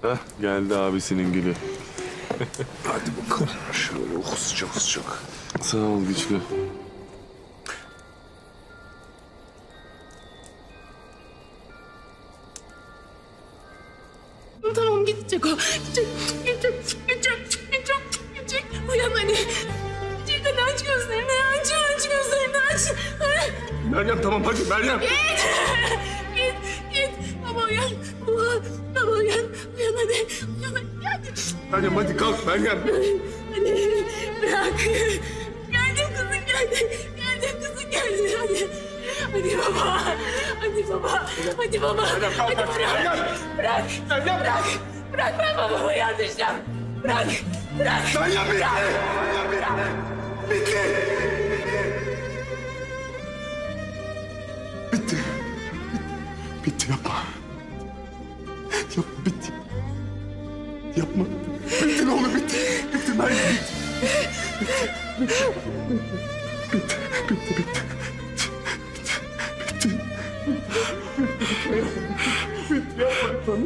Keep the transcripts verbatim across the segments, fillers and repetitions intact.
Hah, geldi abisinin gülü. Hadi bakalım. Şöyle oh, sıcak sıcak. Sağ ol güçlü. Tamam gidecek o. Gidecek, gidecek, gidecek, gidecek, gidecek. Uyan hadi. Gidecek hadi aç gözlerini, aç, aç gözlerini aç. Meryem tamam hadi Meryem. Git, git, git. Baba uyan, baba, baba uyan. Uyan hadi, uyan hadi. Meryem hadi kalk Meryem. Hadi, bırak. Geldim kızım geldi. Geldim kızım geldi. Hadi. Hadi baba. Hadi baba. Hadi baba. Hadi bırak. Bırak. Bırak. Bırak ben babamı yardıracağım. Bırak. Bırak. Meryem bitti. Bırak. Bitti. Bitti. Bitti yapma. Yapma bitti. Yapma. Bitti ne olur bitti. Bitti Meryem bitti. Bitti. Bitti. Bitti. Bitti. Bitti. Bitti. Yapma.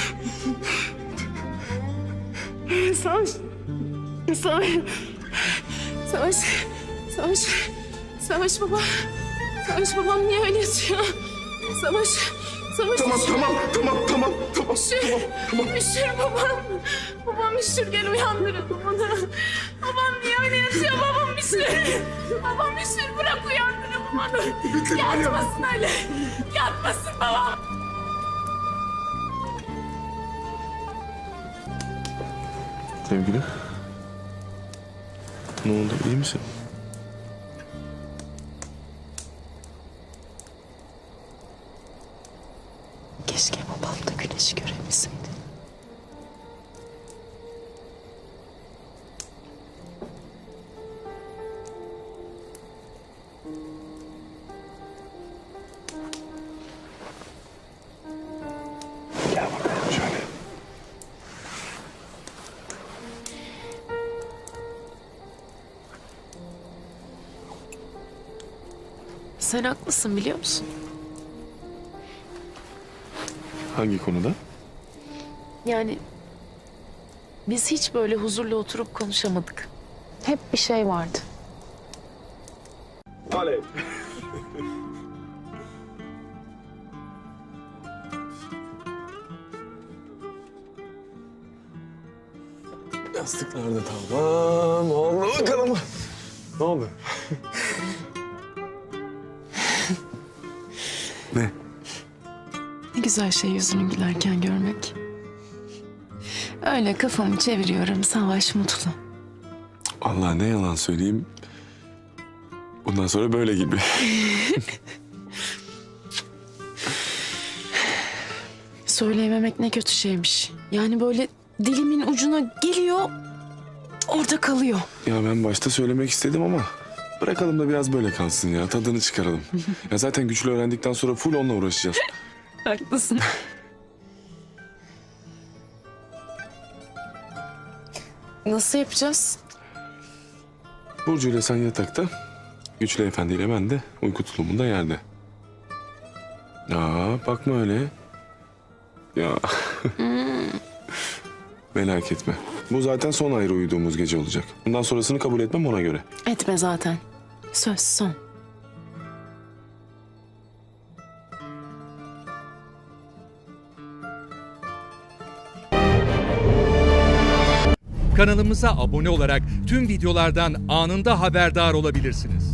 Savaş. Savaş. Savaş. Savaş. Savaş baba. Savaş babam niye öyle yatıyor? Savaş. Savaş. Tamam tamam tamam tamam tamam. Üşür. Tamam. Üşür babam. Babam üşür gel uyandırın onu. Babam niye öyle yatıyor? Babam üşür. Babam üşür bırak uyandırın onu. Bitti, Yatmasın öyle. Yatmasın babam. Sevgili. Ne oldu, iyi misin? Keşke babam da güneşi görebilseydi. Gel bakalım şöyle. Sen haklısın biliyor musun? Hangi konuda? Yani biz hiç böyle huzurla oturup konuşamadık. Hep bir şey vardı. Alev. Yastıklar da tamam. Oldu bakalım. Ne oldu? Ne? Ne güzel şey yüzünü gülerken görmek. Öyle kafamı çeviriyorum, Savaş mutlu. Allah ne yalan söyleyeyim. Bundan sonra böyle gibi. Söyleyememek ne kötü şeymiş. Yani böyle dilimin ucuna geliyor, orada kalıyor. Ya ben başta söylemek istedim ama bırakalım da biraz böyle kalsın ya. Tadını çıkaralım. Ya zaten güçlü öğrendikten sonra full onunla uğraşacağız. Haklısın. Nasıl yapacağız? Burcu ile sen yatakta, Güçlü Efendi ile ben de uyku tulumunda yerde. Ya bakma öyle. Ya. Merak etme. Bu zaten son ayrı uyuduğumuz gece olacak. Bundan sonrasını kabul etmem ona göre. Etme zaten. Söz son. Kanalımıza abone olarak tüm videolardan anında haberdar olabilirsiniz.